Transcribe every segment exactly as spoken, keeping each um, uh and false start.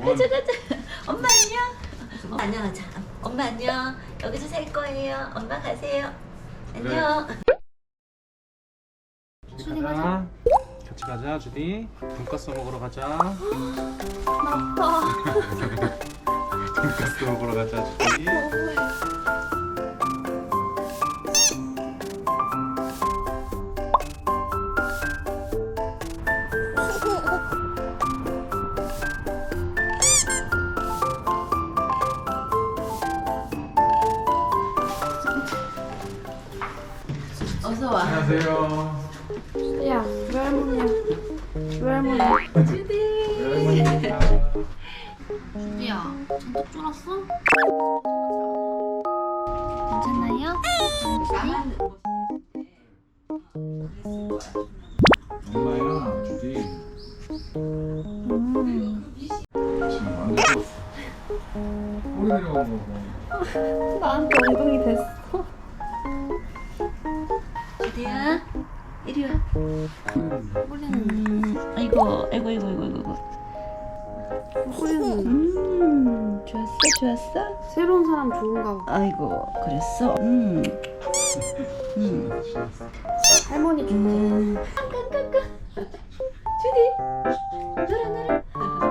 가자 가자. 엄마 안녕. 엄마 안녕하자. 엄마 안녕. 여기서 살 거예요. 엄마 가세요. 안녕. 주디 가자. 같이 가자, 주디. 돈가스 먹으러 가자. 아파. 돈가스 먹으러 가자, 주디. 어서 와. 안녕하세요. 야, 외할머니야. 외할머니. 주디. 외할머니입니다. 주디야, 잔뜩 쫄았어? 괜찮나요? 나만 엄마야, 주디. 음. 지금 안 됐어. 꼬리 내려간 거. 나한테 엉덩이 됐어. 주디야. 이리 와. 꼬리는, 음, 아이고, 아이고, 아이고, 아이고, 아이고. 꼬리는. 음, 좋았어, 좋았어. 새로운 사람 좋은가 봐. 아이고, 그랬어. 음, 음, 신났어. 할머니 좋대. 음. 깡깡깡깡. 주디. 놀아, 놀아.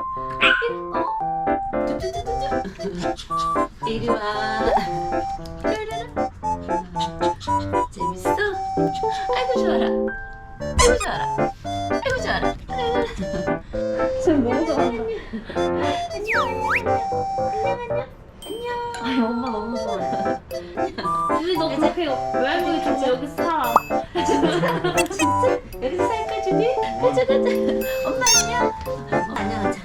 어? 쭈쭈쭈쭈쭈. 이리 와. 쭈르르. 재밌어? 아이고 좋아라. 아이고 좋아라. 아이고 좋아라. 지금 너무 좋아한다. 안녕 안녕 안녕 안녕. 아니, 엄마 너무 좋아해. 주디, 너 그렇게 외할머니 진짜 여기 살아. 진짜? 여기서 살까 주디? 가자 가자. 엄마 안녕. 엄마 안녕하자.